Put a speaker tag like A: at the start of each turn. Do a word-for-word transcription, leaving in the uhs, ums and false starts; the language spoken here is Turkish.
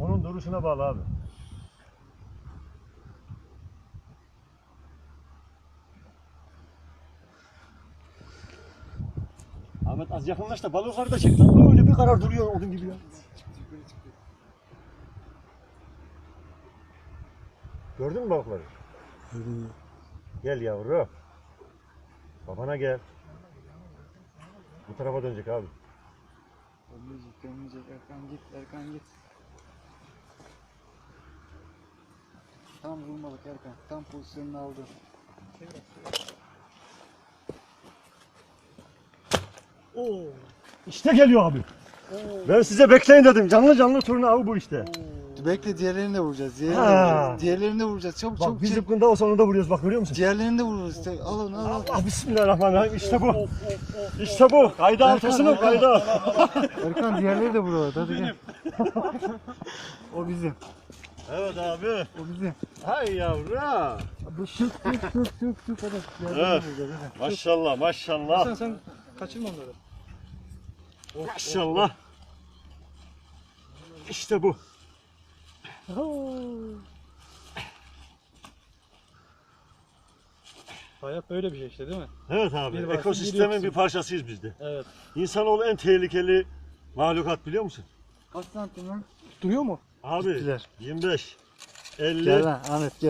A: Onun duruşuna bağlı abi. Ahmet az yakınlaş da balıkları da çek lan. Öyle bir karar duruyor odun gibi ya. Gördün mü balıkları? Gel yavru. Babana gel. Bu tarafa dönecek abi.
B: Dönmeyecek, dönmeyecek. Erkan git, Erkan git. Tam vurmalık Erkan. Tam pozisyonunu aldı.
A: Oo. İşte geliyor abi. Oo. Ben size bekleyin dedim. Canlı canlı turna avı bu işte.
B: Oo. Bekle, diğerlerini de vuracağız. Diğerlerini de
A: Ha.
B: vuracağız. Diğerlerini de vuracağız. Çabuk
A: Bak
B: çabuk.
A: biz
B: çabuk.
A: zıpkında o sonunda vuruyoruz bak görüyor musun?
B: Diğerlerini de vururuz. İşte. Al onu al. al.
A: Allah bismillahirrahmanirrahim işte bu. İşte bu. Kayda altısının kayda.
B: Erkan diğerleri de vurur. Hadi gel. O bizim.
A: Evet abi.
B: O bizim.
A: Hay yavru.
B: Bu şık şık şık şık şık. Hadi. Diğerlerini
A: Evet.
B: de vuracağız. Hadi.
A: Maşallah maşallah.
B: Sen sen kaçırma onları.
A: Maşallah. İşte bu.
C: Hayat böyle bir şey işte değil mi?
A: Evet abi.
C: Bir varsın, bir
A: Ekosistemin
C: yoksun.
A: bir parçasıyız biz de.
C: Evet.
A: İnsanoğlu en tehlikeli mahlukat biliyor musun?
B: Kaç santim lan?
C: Duruyor mu?
A: Abi
B: Gittiler.
A: yirmi beş, elli.
B: Gel lan Ahmet gel.